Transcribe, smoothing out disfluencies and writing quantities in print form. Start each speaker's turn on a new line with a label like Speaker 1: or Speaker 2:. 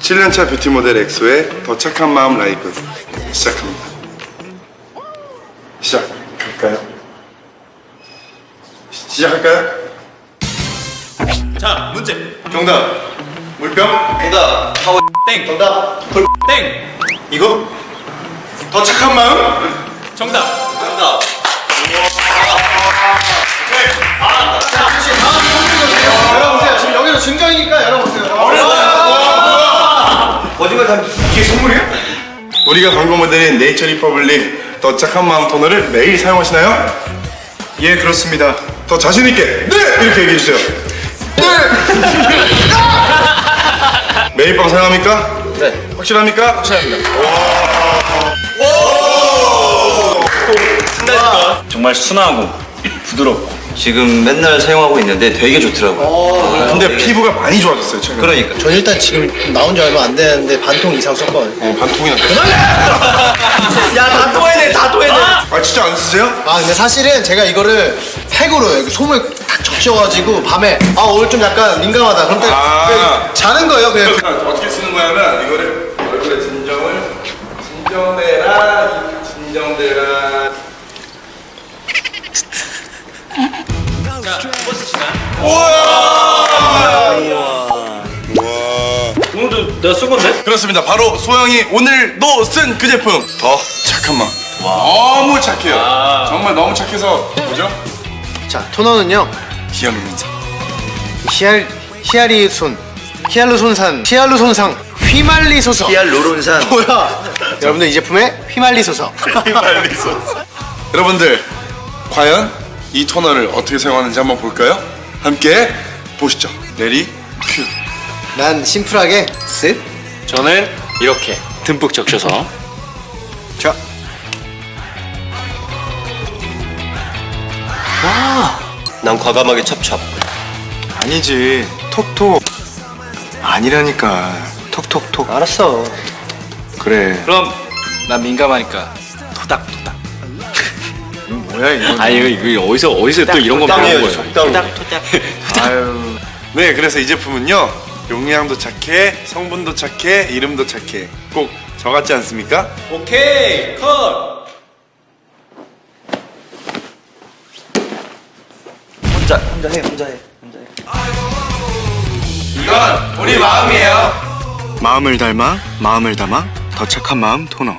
Speaker 1: 7년차 뷰티 모델 엑소의 더 착한 마음 라이브 시작합니다. 시작할까요?
Speaker 2: 자, 문제.
Speaker 1: 정답. 물병?
Speaker 3: 정답. 파워
Speaker 2: 땡.
Speaker 3: 정답.
Speaker 2: 땡.
Speaker 1: 이거? 더 착한 마음?
Speaker 2: 정답.
Speaker 3: 정답.
Speaker 4: 열어보세요. 지금 여기서 증정이니까 열어보세요.
Speaker 3: 거짓말 다
Speaker 1: 이게 선물이야? 우리가 광고 모델인 네이처 리퍼블릭 더 착한 마음 토너를 매일 사용하시나요? 예, 그렇습니다. 더 자신 있게 네! 이렇게 얘기해 주세요. 네! 매일 밤 사용합니까?
Speaker 3: 네.
Speaker 1: 확실합니까? 확실합니다.
Speaker 2: 정말 순하고 부드럽고.
Speaker 3: 지금 맨날 사용하고 있는데 되게 좋더라고요.
Speaker 1: 근데 피부가 많이 좋아졌어요, 최근에.
Speaker 3: 그러니까.
Speaker 4: 전 일단 지금 나온 지 얼마 안 되는데 반통 이상 썼거든요.
Speaker 1: 반통이나.
Speaker 3: 야, 다 토해내, 다 토해내.
Speaker 1: 아, 진짜 안 쓰세요?
Speaker 4: 아 근데 사실은 제가 이거를 팩으로 여기 솜을 딱 적셔가지고 밤에 오늘 좀 약간 민감하다. 그럼 때
Speaker 1: 아.
Speaker 4: 자는 거예요 그냥.
Speaker 1: 어떻게 쓰는 거냐면 이거를 얼굴에 진정대라.
Speaker 2: 자, 버스 시간.
Speaker 1: 우와.
Speaker 2: 오늘도 내가 쓴 건데?
Speaker 1: 그렇습니다. 바로 소영이 오늘도 쓴 그 제품 더 착한 마음. 너무 착해요. 정말 너무 착해서 뭐죠?
Speaker 4: 자 토너는요
Speaker 1: 기억입니다.
Speaker 4: 히알루론산 휘말리소서.
Speaker 3: 히알루론산.
Speaker 4: 뭐야? 여러분들 이 제품에 휘말리소서.
Speaker 1: 여러분들 과연 이 토너를 어떻게 사용하는지 한번 볼까요? 함께 보시죠. 레디 큐.
Speaker 4: 난 심플하게 쓱.
Speaker 2: 저는 이렇게 듬뿍 적셔서.
Speaker 4: 자.
Speaker 3: 난 과감하게 찹찹.
Speaker 5: 아니지 톡톡 아니라니까 톡톡톡
Speaker 4: 알았어.
Speaker 5: 그래
Speaker 2: 그럼 난 민감하니까 토닥토닥.
Speaker 5: 뭐야 이거
Speaker 2: 아 이거 어디서 또 이런 거 배운 거예요?
Speaker 3: 적당히.
Speaker 5: 아유
Speaker 1: 네, 그래서 이 제품은요 용량도 착해, 성분도 착해, 이름도 착해. 꼭 저 같지 않습니까?
Speaker 2: 오케이 컷.
Speaker 3: 혼자 해.
Speaker 1: 이건 우리 마음이에요.
Speaker 5: 마음을 닮아 더 착한 마음 토너